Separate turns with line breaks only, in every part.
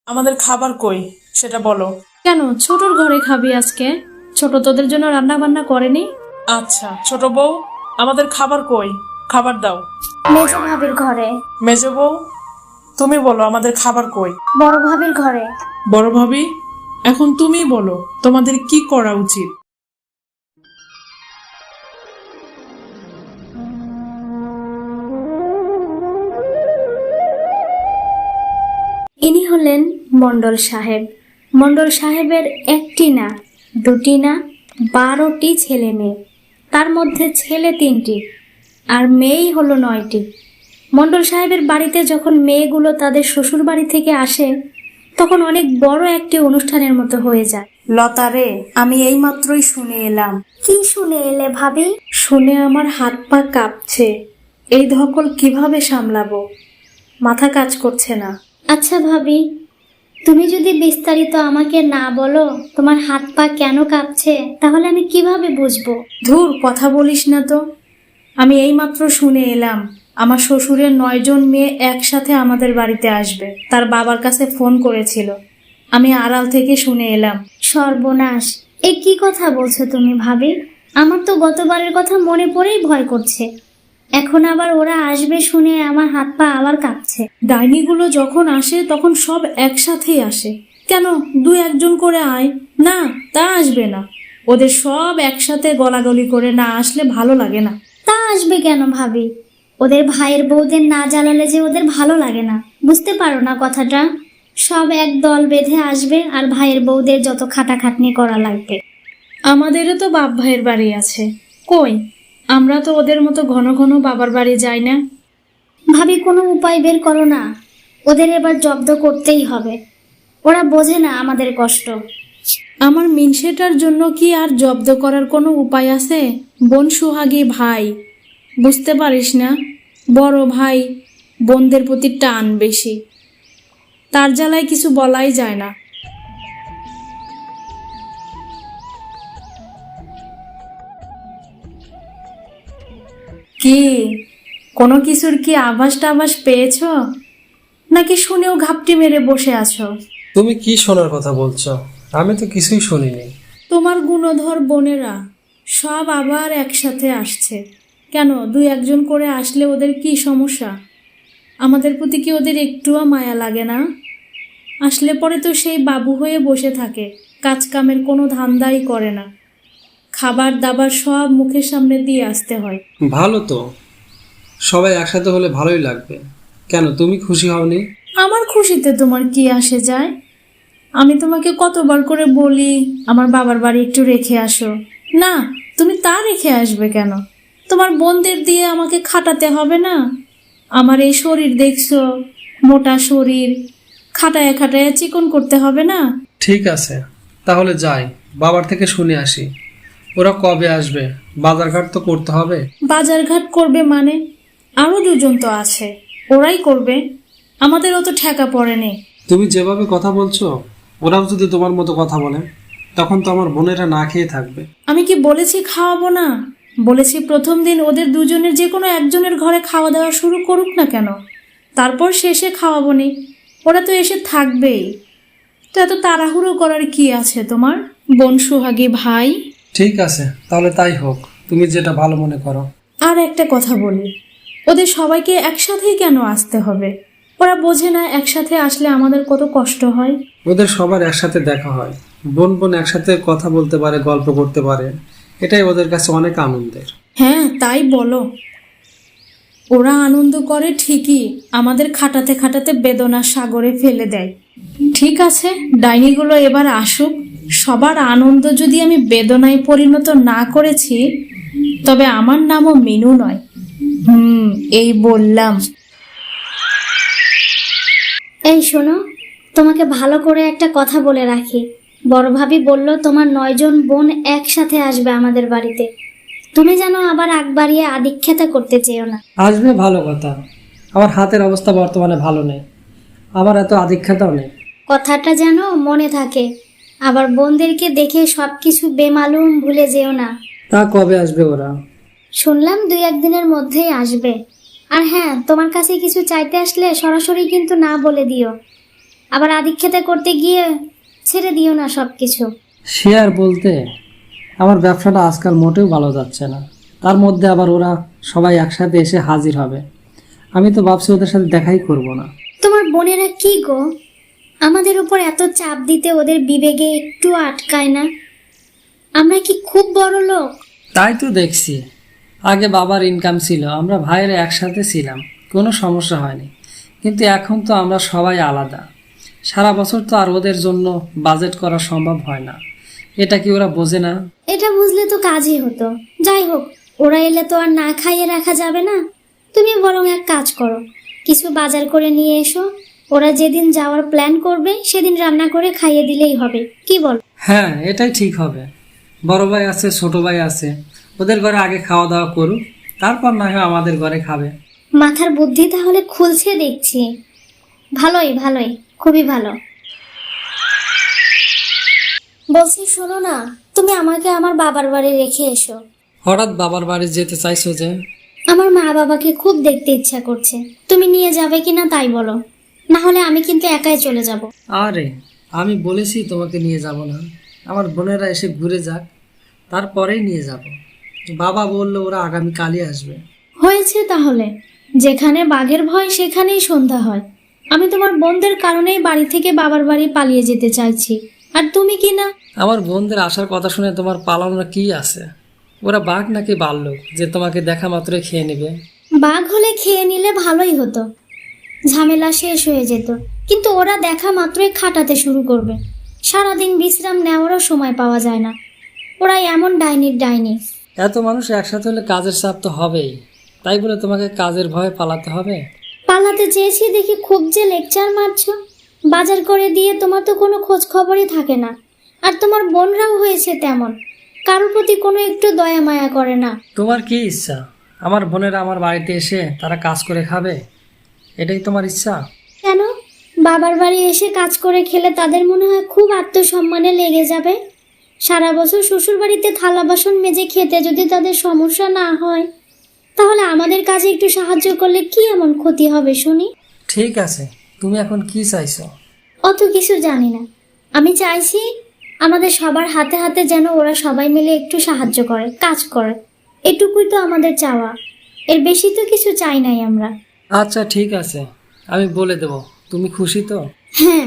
আমাদের খাবার কই সেটা বলো।
কেন ছোটর ঘরে খাবি আজকে? ছোট তোদের জন্য রান্না বান্না করেনি?
আচ্ছা ছোট বউ, আমাদের খাবার কই, খাবার দাও।
মেজো ভাবির ঘরে।
মেজো বউ, তুমি বলো আমাদের খাবার কই।
বড় ভাবির ঘরে।
বড় ভাবি, এখন তুমি বলো তোমাদের কি করা উচিত।
ইনি হলেন মণ্ডল সাহেব। মণ্ডল সাহেবের একটি না, দুটি না, 12টি ছেলে মেয়ে। তার মধ্যে ছেলে 3টি আর মেয়েই হলো 9টি। মণ্ডল সাহেবের বাড়িতে যখন মেয়েগুলো তাদের শ্বশুর বাড়ি থেকে আসে, তখন অনেক বড় একটি অনুষ্ঠানের মতো হয়ে যায়। লতারে, আমি এইমাত্রই শুনে এলাম। কি শুনে এলে ভাবি? শুনে আমার হাত পা কাঁপছে। এই ধকল কিভাবে সামলাবো, মাথা কাজ করছে না। আচ্ছা ভাবি, তুমি যদি বিস্তারিত আমাকে না বলো তোমার হাত পা কেন কাঁপছে, তাহলে আমি কিভাবে বুঝবো? ধুর, কথা বলিস না তো। আমি এইমাত্র শুনে এলাম আমার শ্বশুরের 9 জন মেয়ে একসাথে আমাদের বাড়িতে আসবে। তার বাবার কাছে ফোন করেছিল, আমি আড়াল থেকে শুনে এলাম। সর্বনাশ, এ কি কথা বলছো তুমি ভাবি? আমার তো গতবারের কথা মনে পড়েই ভয় করছে। এখন আবার ওরা আসবে শুনে আমার হাত পা আবার কাঁপছে। ডাইনিগুলো যখন আসে তখন সব একসাথেই আসে। কেন 2-1 জন করে আয় না, তা আসবে না। ওদের সব একসাথে গলাগলি করে না আসলে ভালো লাগে না। তা আসবে কেন ভাবি? ওদের ভাইয়ের বউদের না জ্বালালে যে ওদের ভালো লাগে না, বুঝতে পারো না কথাটা? সব এক দল বেঁধে আসবে আর ভাইয়ের বউদের যত খাটাখাটনি করা লাগবে। আমাদেরও তো বাপ ভাইয়ের বাড়ি আছে, কই আমরা তো ওদের মতো ঘন ঘন বাবার বাড়ি যাই না। ভাবি, কোনো উপায় বের করো না। ওদের এবার জব্দ করতেই হবে। ওরা বোঝে না আমাদের কষ্ট। আমার মিনসেটার জন্য কি আর জব্দ করার কোনো উপায় আছে? বোন সোহাগী ভাই, বুঝতে পারিস না? বড় ভাই বোনদের প্রতি টান বেশি, তার জ্বালায় কিছু বলাই যায় না। কি কোনো কিছুর কি আভাস টাভাস পেয়েছো, নাকি শুনেও ঘাপটি মেরে বসে আছো?
তুমি কি শোনার কথা বলছো? আমি তো কিছুই শুনিনি।
তোমার গুণধর বোনেরা সব আবার একসাথে আসছে। কেন 2-1 জন করে আসলে ওদের কি সমস্যা? আমাদের প্রতি কি ওদের একটুও মায়া লাগে না? আসলে পরে তো সেই বাবু হয়ে বসে থাকে, কাজ কামের কোনো ধান্দাই করে না। খাবার দাবার সব মুখের সামনে দিয়ে আসতে হয়।
ভালো তো, সবাই একসাথে হলে ভালোই লাগবে। কেন তুমি খুশি হওনি?
আমার খুশিতে তোমার কি আসে যায়? আমি তোমাকে কতবার করে বলি আমার বাবার বাড়ি একটু রেখে আসো, না তুমি তা রেখে আসবে কেন? তোমার বোনদের দিয়ে আমাকে খাটাতে হবে না? আমার এই শরীর দেখছো, মোটা শরীর, খাটায় খাটায় চিকন করতে হবে না?
ঠিক আছে, তাহলে যাই, বাবার থেকে শুনে আসি ওরা কবে আসবে। বাজারঘাট তো করতে হবে।
বাজারঘাট করবে মানে? আরো 2 জন তো আছে, ওরাই করবে। আমাদের অত ঠেকা পড়েনি।
তুমি যেভাবে কথা বলছো, ওরাও যদি তোমার মতো কথা বলে তখন তো আমার বোনেরা না খেয়ে থাকবে।
আমি কি বলেছি খাওয়াবো না? বলেছি প্রথম দিন ওদের 2 জনের যে কোনো একজনের ঘরে খাওয়া দাওয়া শুরু করুক না কেন, তারপর শেষে খাওয়াবো নি। ওরা তো এসে থাকবেই। তো এত তাড়াহুড়ো করার কি আছে তোমার, বোন সোহাগী ভাই?
ঠিক আছে, তাহলে তাই হোক, তুমি যেটা ভালো মনে করো।
আর একটা কথা বলি, ওদের সবাইকে একসাথেই কেন আসতে হবে? ওরা বোঝে না একসাথে আসলে আমাদের কত কষ্ট হয়।
ওদের সবার একসাথে দেখা হয়, বোন বোন একসাথে কথা বলতে পারে, গল্প করতে পারে, এটাই ওদের কাছে অনেক আনন্দের।
হ্যাঁ তাই বলো। ওরা আনন্দ করে ঠিকই, আমাদের খাটাতে খাটাতে বেদনার সাগরে ফেলে দেয়। ঠিক আছে, ডাইনিগুলো এবার আসুক। সবার আনন্দ যদি আমি বেদনায় পরিণত না করেছি, তবে আমার নামও মিনু নয়। এই বললাম। এই শোনো, তোমাকে ভালো করে একটা কথা বলে রাখি। বড় ভাবি বলল তোমার 9 জন বোন একসাথে আসবে আমাদের বাড়িতে। তুমি যেন আবার আগ বাড়িয়ে আদিক্ষেতা করতে চেও না।
আসবে ভালো কথা, আমার হাতের অবস্থা বর্তমানে ভালো নেই, আমার এত আধিক্যতাও নেই।
কথাটা যেন মনে থাকে। আবার বোনদেরকে দেখে সবকিছু বেমালুম ভুলে যেও না।
তা কবে আসবে ওরা?
শুনলাম 2-1 দিনের মধ্যেই আসবে। আর হ্যাঁ, তোমার কাছে কিছু চাইতে আসলে সরাসরি কিন্তু না বলে দিও। আবার আদিক্ষেতা করতে গিয়ে ছেড়ে দিও না সবকিছু।
শেয়ার বলতে আমার ব্যবসাটা আজকাল মোটেও ভালো যাচ্ছে না, তার মধ্যে আবার ওরা সবাই একসাথে এসে হাজির হবে। আমি তো ভাবছি ওদের সাথে দেখাই করব না।
তোমার বোনেরা কি গো, আমাদের উপর এত চাপ দিতে ওদের বিবেকে একটু আটকায় না? আমরা কি খুব বড় লোক?
তাই তো দেখছি, আগে বাবার ইনকাম ছিল, আমরা ভাইয়েরা একসাথে ছিলাম, কোনো সমস্যা হয়নি। কিন্তু এখন তো আমরা সবাই আলাদা, সারা বছর তো আর ওদের জন্য বাজেট করা সম্ভব হয় না। এটা কি ওরা বোঝে না?
এটা বুঝলে তো কাজই হতো। যাই হোক, ওরা এলে তো আর না খাইয়ে রাখা যাবে না। তুমি বরং এক কাজ করো, কিছু বাজার করে নিয়ে এসো। ওরা যেদিন যাওয়ার প্ল্যান করবে সেদিন রান্না করে খাইয়ে দিলেই হবে, কি বল?
হ্যাঁ, এটাই ঠিক হবে। বড় ভাই আছে, ছোট ভাই আছে, ওদের ঘরে আগে খাওয়া দাওয়া করুক, তারপর না হয় আমাদের ঘরে খাবে।
মাথার বুদ্ধি তাহলে খুলছে দেখছি। ভালোই ভালোই, খুবই ভালো। বলছি শোনো না, তুমি আমাকে আমার বাবার বাড়ি রেখে এসো।
হঠাৎ বাবার বাড়ি যেতে চাইছো যে?
আমার মা বাবাকে খুব দেখতে ইচ্ছা করছে, তুমি নিয়ে যাবে কিনা তাই বলো, না হলে আমি কিন্তু একাই চলে যাব।
আরে আমি বলেছি তোমাকে নিয়ে যাব না, আমার বোনেরা এসে ঘুরে যাক, তারপরেই নিয়ে যাব। বাবা বললো ওরা আগামীকালই আসবে।
হয়েছে তাহলে, যেখানে বাঘের ভয় সেখানেই সন্ধ্যা হয়। আমি তোমার বোনদের কারণেই বাড়ি থেকে বাবার বাড়ি পালিয়ে যেতে চাইছি, আর তুমি কি না?
আমার বোনদের আসার কথা শুনে তোমার পালানোর কি আছে? ওরা বাঘ নাকি ভাল্লুক যে তোমাকে দেখা মাত্রই খেয়ে নেবে?
বাঘ হলে খেয়ে নিলে ভালোই হতো, ঝামেলা শেষ হয়ে যেত। কিন্তু ওরা দেখা মাত্রই খাটাতে শুরু করবে, সারাদিন বিশ্রাম নেওয়ারও সময় পাওয়া যায় না। ওরা এমন ডাইনির ডাইনি।
এত মানুষ একসাথে হলে কাজের চাপ তো হবেই, তাই বলে তোমাকে কাজের ভয়ে পালাতে হবে?
পালাতে চেয়েছি দেখি খুব যে লেকচার মারছো। বাজার করে দিয়ে তোমার তো কোনো খোঁজ খবরই থাকে না, আর তোমার বোনরাও হয়েছে তেমন, কারোর প্রতি কোনো একটু দয়া মায়া করে না।
তোমার কি ইচ্ছা আমার বোনেরা আমার বাড়িতে এসে তারা কাজ করে খাবে? এটাই তোমার ইচ্ছা?
কেন? বাবার বাড়ি এসে কাজ করে খেলে তাদের মনে হয় খুব আত্মসম্মানে লেগে যাবে। সারা বছর শ্বশুর বাড়িতে থালা বাসন মেজে খেতে যদি তাদের সমস্যা না হয়, তাহলে আমাদের কাজে একটু সাহায্য করলে কি এমন ক্ষতি হবে শুনি?
ঠিক আছে, তুমি এখন কি চাইছো?
অত কিছু জানি না, আমি চাইছি আমাদের সবার হাতে হাতে যেন ওরা সবাই মিলে একটু সাহায্য করে, কাজ করে। এটুকুই তো আমাদের চাওয়া, এর বেশি তো কিছু চাই নাই আমরা।
আচ্ছা ঠিক আছে, আমি বলে দেব। তুমি খুশি তো?
হ্যাঁ,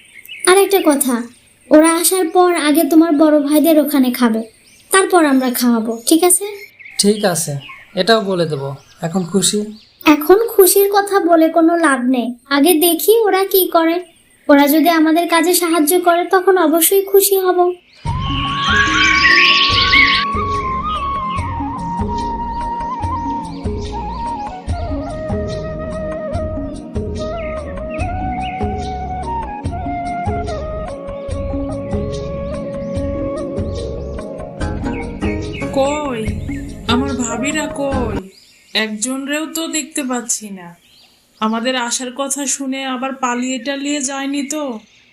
আর একটা কথা, ওরা আসার পর আগে তোমার বড় ভাইদের ওখানে খাবে, তারপর আমরা খাওয়াবো, ঠিক আছে?
ঠিক আছে, এটাও বলে দেব। এখন খুশি?
এখন খুশির কথা বলে কোনো লাভ নেই, আগে দেখি ওরা কি করে। ওরা যদি আমাদের কাজে সাহায্য করে তখন অবশ্যই খুশি হব।
কই আমার ভাবিরা কই? একজনরেও তো দেখতে পাচ্ছি না। আমাদের আসার কথা শুনে আবার পালিয়ে টালিয়ে যায়নি তো?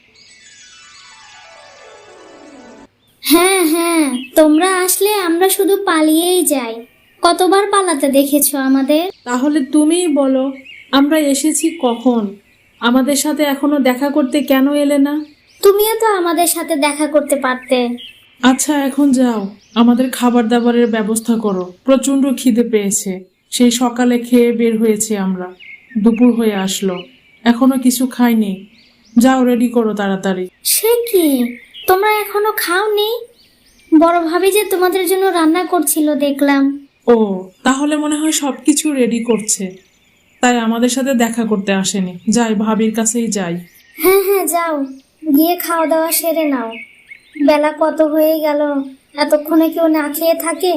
হ্যাঁ হ্যাঁ, তোমরা আসলে আমরা শুধু পালিয়েই যাই। কতবার পালাতে দেখেছো আমাদের?
তাহলে তুমিই বলো, আমরা এসেছি কখন? আমাদের সাথে এখনো দেখা করতে কেন এলে না?
তুমিও তো আমাদের সাথে দেখা করতে পারতে।
আচ্ছা এখন যাও, আমাদের খাবার দাবারের ব্যবস্থা করো, প্রচন্ড খিদে পেয়েছে। সেই সকালে খেয়ে বের হয়েছি আমরা, দুপুর হয়ে আসলো, এখনো কিছু খাইনি। যাও, রেডি করো তাড়াতাড়ি।
সে কি, তোমরা এখনো খাওনি? বড় ভাবি যে তোমাদের জন্য রান্না করছিল দেখলাম।
ও, তাহলে মনে হয় সবকিছু রেডি করছে, তাই আমাদের সাথে দেখা করতে আসেনি। যাই, ভাবির কাছেই যাই।
হ্যাঁ হ্যাঁ, যাও, গিয়ে খাওয়া দাওয়া সেরে নাও। বেলা কত হয়ে গেল, এতক্ষণে কেউ না খেয়ে থাকে?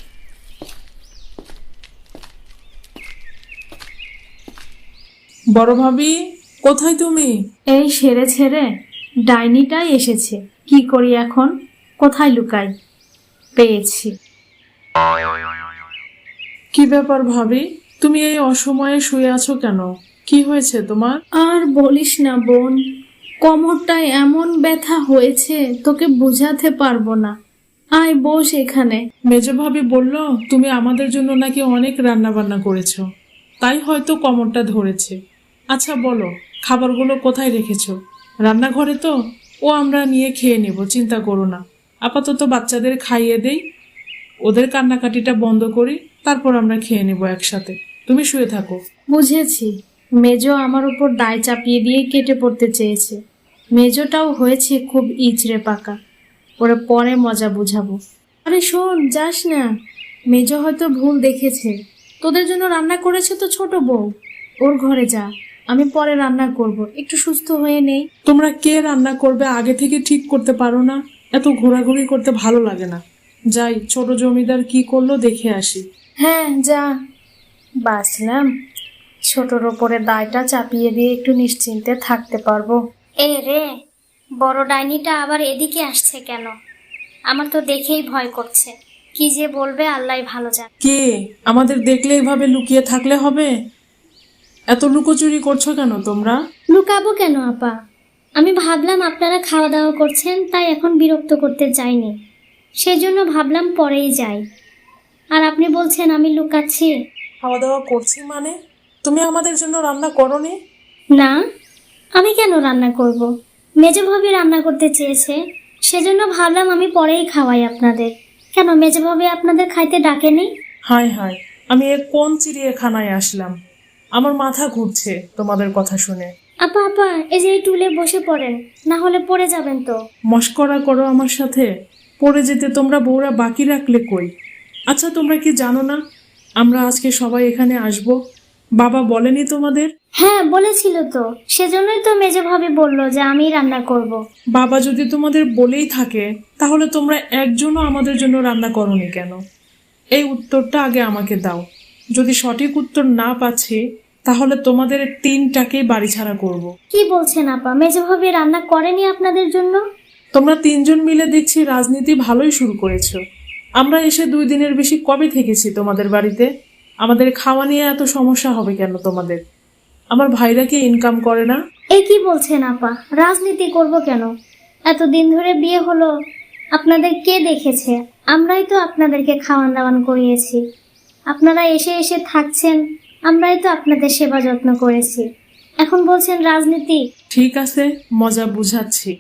বড় ভাবি, কোথায় তুমি?
এই সেরে ছেড়ে ডাইনিটাই এসেছে, কি করি এখন? কোথায় লুকাই? পেয়েছি।
কি ব্যাপার ভাবি, তুমি এই অসময়ে শুয়ে আছো কেন? কি হয়েছে তোমার?
আর বলিস না বোন, কোমরটায় এমন ব্যথা হয়েছে তোকে বুঝাতে পারবো না। আয় বস এখানে।
মেজ ভাবি বলল তুমি আমাদের জন্য নাকি অনেক রান্না বান্না করেছো, তাই হয়তো কোমরটা ধরেছে। আচ্ছা বলো, খাবারগুলো কোথায় রেখেছো? রান্নাঘরে তো, ও আমরা নিয়ে খেয়ে নেব, চিন্তা করো না। আপাতত বাচ্চাদের খাইয়ে দেই, ওদের কান্নাকাটিটা বন্ধ করি, তারপর আমরা খেয়ে নেব একসাথে। তুমি শুয়ে থাকো।
বুঝেছি, মেজো আমার উপর দায় চাপিয়ে দিয়ে কেটে পড়তে চেয়েছে। মেজোটাও হয়েছে খুব ইচড়ে পাকা, ওরা পরে মজা বুঝাবো। আরে শোন, যাস না, মেজো হয়তো ভুল দেখেছে। তোদের জন্য রান্না করেছে তো ছোট বউ, ওর ঘরে যা, আমি পরে রান্না করব, একটু সুস্থ হয়ে নেই।
তোমরা কে রান্না করবে আগে থেকে ঠিক করতে পারো না? এত ঘোরাঘুরি করতে ভালো লাগে না। যাই, ছোট জমিদার কি করলো দেখে আসি।
হ্যাঁ যা। বাঁচলাম, ছোটর ওপরে দায়টা চাপিয়ে দিয়ে একটু নিশ্চিন্তে থাকতে পারবো।
এ রে, বড় ডাইনিটা আবার এদিকে আসছে কেন? আমার তো দেখেই ভয় করছে। কি যে বলবে আল্লাহ ভালো জানে।
কে? আমাদের দেখলে এভাবে লুকিয়ে থাকলে হবে? এত লুকোচুরি করছো কেন তোমরা?
লুকাবো কেন আপা? আমি ভাবলাম আপনারা খাওয়া দাওয়া করছেন, তাই এখন বিরক্ত করতে চাইনি, সেজন্য ভাবলাম পরেই যাই। আর আপনি বলছেন আমি লুকাচ্ছি?
খাওয়া দাওয়া করছি মানে? তুমি আমাদের জন্য রান্না করোনি?
না, আমি কেন রান্না করব? মেজো ভাবি রান্না করতে চেয়েছে, সেজন্য ভাবলাম আমি পরেই খাওয়াই আপনাদের। কেন মেজো ভাবি আপনাদের খাইতে ডাকেনি?
হায় হায়, আমি এ কোন চিড়িয়াখানায় আসলাম? আমার মাথা ঘুরছে তোমাদের কথা শুনে।
আপা আপা, এই যে এই টুলে বসে পড়েন, না হলে পড়ে যাবেন তো।
মস্করা করো আমার সাথে? পড়ে যেতে তোমরা বউরা বাকি রাখলে কই? আচ্ছা, তোমরা কি জানো না আমরা আজকে সবাই এখানে আসব? বাবা বলেনি তোমাদের?
হ্যাঁ বলেছিল তো, সেজন্যই তো মেজো ভাবি বললো যে আমি রান্না করব।
বাবা যদি তোমাদের বলেই থাকে, তাহলে তোমরা একজনও আমাদের জন্য রান্না করোনি কেন? এই উত্তরটা আগে আমাকে দাও। যদি সঠিক উত্তর না পাচ্ছি, তাহলে তোমাদের তিনটাকেই বাড়ি ছাড়া করব।
কি বলছেন আপা, মেজো ভাবি রান্না করেনি আপনাদের জন্য?
তোমরা তিনজন মিলে দেখছি রাজনীতি ভালোই শুরু করেছো। আমরা এসে 2 দিনের বেশি কবে থেকেছি তোমাদের বাড়িতে? আমাদের খাওয়া নিয়ে এত সমস্যা হবে কেন তোমাদের? আমার ভাইরা কি ইনকাম করে না?
এই কি বলছেন আপা, রাজনীতি করব কেন? এতদিন ধরে বিয়ে হলো, আপনাদের কে দেখেছে? আমরাই তো আপনাদেরকে খাওয়ান দাওয়ান করিয়েছি। আপনারা এসে এসে থাকছেন, আমরাই তো আপনাদের সেবা যত্ন করেছি। এখন বলছেন রাজনীতি?
ঠিক আছে, মজা বুঝাচ্ছি।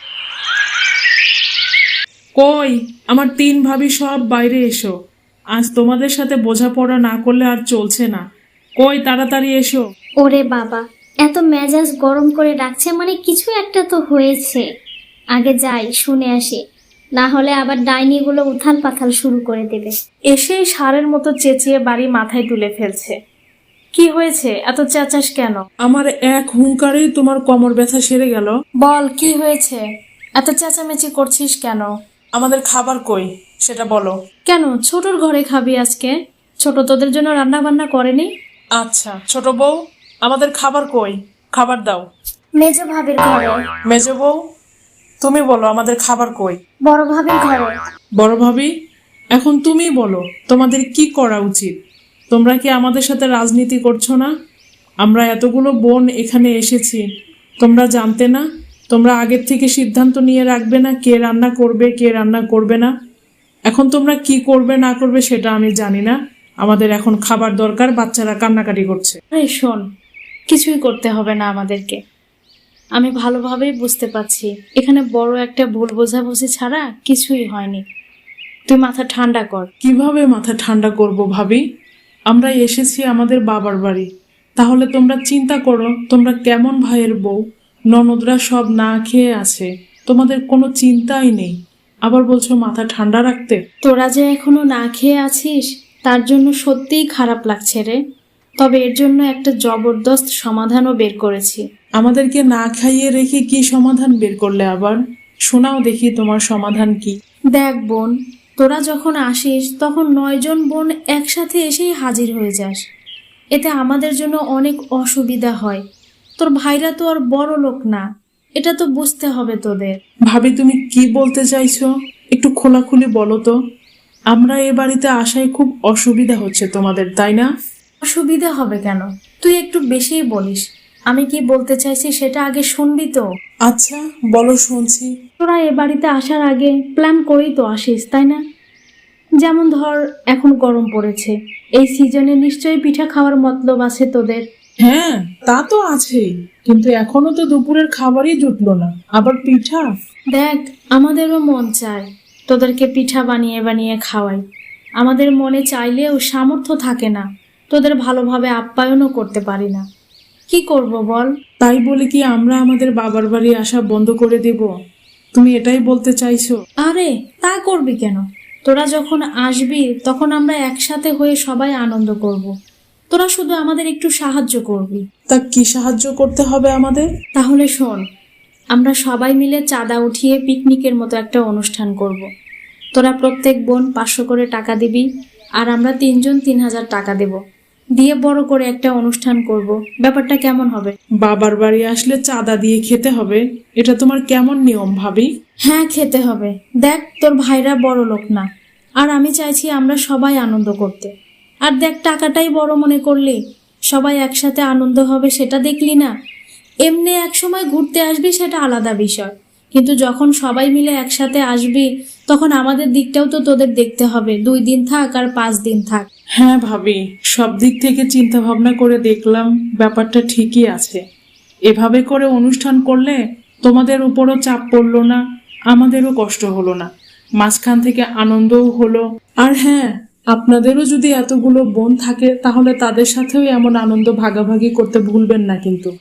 কই আমার 3 ভাবি, সব বাইরে এসো। আজ তোমাদের সাথে বোঝাপড়া না করলে আর চলছে না। কই, তাড়াতাড়ি এসো।
ওরে বাবা, এত মেজাজ গরম করে রাখছে মানে কিছু একটা তো হয়েছে। আগে যাই, শুনে আসি, না হলে আবার ডাইনিগুলো উথাল পাথাল শুরু করে দেবে।
এসেই সারের মতো চেঁচিয়ে বাড়ি মাথায় তুলে ফেলছে। কি হয়েছে, এত চেঁচাস কেন?
আমার এক হুঙ্কারেই তোমার কোমর ব্যথা সেরে গেল?
বল কি হয়েছে, এত চেঁচামেচি করছিস কেন?
আমাদের খাবার কই সেটা বলো।
কেন, ছোটর ঘরে খাবি আজকে? ছোট তোদের জন্য রান্না বান্না করেনি?
আচ্ছা ছোট বউ, আমাদের খাবার কই? খাবার দাও।
মেজো ভাবির ঘরে।
মেজো বউ, তুমি বলো আমাদের খাবার কই?
বড় ভাবির ঘরে।
বড় ভাবি, এখন তুমি বলো তোমাদের কি করা উচিত? তোমরা কি আমাদের সাথে রাজনীতি করছো না? আমরা এতগুলো বোন এখানে এসেছি, তোমরা জানতে না? তোমরা আগের থেকে সিদ্ধান্ত নিয়ে রাখবে না কে রান্না করবে কে রান্না করবে না? এখন তোমরা কি করবে না করবে সেটা আমি জানি না। আমাদের এখন খাবার দরকার, বাচ্চারা কান্নাকাটি করছে।
আরে শোন, কিছুই করতে হবে না আমাদেরকে। আমি ভালোভাবেই বুঝতে পারছি এখানে বড় একটা ভুল বোঝাবুঝি ছাড়া কিছুই হয়নি। তুই মাথা ঠান্ডা কর।
কিভাবে মাথা ঠান্ডা করব ভাবি? আমরা এসেছি আমাদের বাবার বাড়ি, তাহলে তোমরা চিন্তা করো তোমরা কেমন ভাইয়ের বউ। ননদরা সব না খেয়ে আছে, তোমাদের কোনো চিন্তাই নেই, আবার বলছো মাথা ঠান্ডা রাখতে।
তোরা যে এখনো না খেয়ে আছিস তার জন্য সত্যিই খারাপ লাগছে রে। তবে এর জন্য একটা জবরদস্ত সমাধানও বের করেছি।
আমাদেরকে না খাইয়ে রেখে কি সমাধান বের করলে আবার? শোনাও দেখি তোমার সমাধান কি।
দেখ বোন, তোরা যখন আসিস তখন 9 জন বোন একসাথে এসেই হাজির হয়ে যাস। এতে আমাদের জন্য অনেক অসুবিধা হয়। তোর ভাইরা তো আর বড় লোক না, এটা তো বুঝতে হবে তোদের।
ভাবি তুমি কি বলতে চাইছো একটু খোলাখুলি বলো তো। আমরা এ বাড়িতে আসায় খুব অসুবিধা হচ্ছে তোমাদের, তাই না?
অসুবিধা হবে কেন? তুই একটু বেশিই বলিস। আমি কি বলতে চাইছি সেটা আগে শুনবি তো।
আচ্ছা বলো, শুনছি।
তোরা এ বাড়িতে আসার আগে প্ল্যান করেই তো আসিস, তাই না? যেমন ধর, এখন গরম পড়েছে, এই সিজনে নিশ্চয়ই পিঠা খাওয়ার মতলব আছে তোদের।
হ্যাঁ তা তো আছেই, কিন্তু এখনো তো দুপুরের খাবারই জুটলো না, আবার পিঠা।
দেখ, আমাদেরও মন চায় তোদেরকে পিঠা বানিয়ে বানিয়ে খাওয়াই। আমাদের মনে চাইলেও সামর্থ্য থাকে না, তোদের ভালোভাবে আপ্যায়নও করতে পারি না। কি করব বল?
তাই বলে কি আমরা আমাদের বাবার বাড়ি আসা বন্ধ করে দেব? তুমি এটাই বলতে চাইছো?
আরে তা করবি কেন? তোরা যখন আসবি তখন আমরা একসাথে হয়ে সবাই আনন্দ করব। তোরা শুধু আমাদের একটু সাহায্য করবি।
তা কি সাহায্য করতে হবে আমাদের?
তাহলে শোন, আমরা সবাই মিলে চাঁদা উঠিয়ে পিকনিকের মতো একটা অনুষ্ঠান করব। তোরা প্রত্যেক বোন 500 করে টাকা দিবি, আর আমরা 3 জন 3000 টাকা দেব, দিয়ে বড় করে একটা অনুষ্ঠান করব। ব্যাপারটা কেমন হবে?
বাবার বাড়ি আসলে চাঁদা দিয়ে খেতে হবে? এটা তোমার কেমন নিয়ম ভাবি?
হ্যাঁ, খেতে হবে। দেখ, তোর ভাইরা বড় লোক না, আর আমি চাইছি আমরা সবাই আনন্দ করতে। আর দেখ, টাকাটাই বড় মনে করলি, সবাই একসাথে আনন্দ হবে সেটা দেখলি না? এমনি এক সময় ঘুরতে আসবি সেটা আলাদা বিষয়, কিন্তু যখন সবাই মিলে একসাথে আসবি তখন আমাদের দিকটাও তো তোদের দেখতে হবে। 2 দিন থাক আর 5 দিন থাক।
হ্যাঁ ভাবি, সব দিক থেকে চিন্তা ভাবনা করে দেখলাম ব্যাপারটা ঠিকই আছে। এভাবে করে অনুষ্ঠান করলে তোমাদের উপরও চাপ পড়লো না, আমাদেরও কষ্ট হলো না, মাঝখান থেকে আনন্দও হলো। আর হ্যাঁ, আপনাদেরও যদি এতগুলো বোন থাকে তাহলে তাদের সাথেও এমন আনন্দ ভাগাভাগি করতে ভুলবেন না কিন্তু।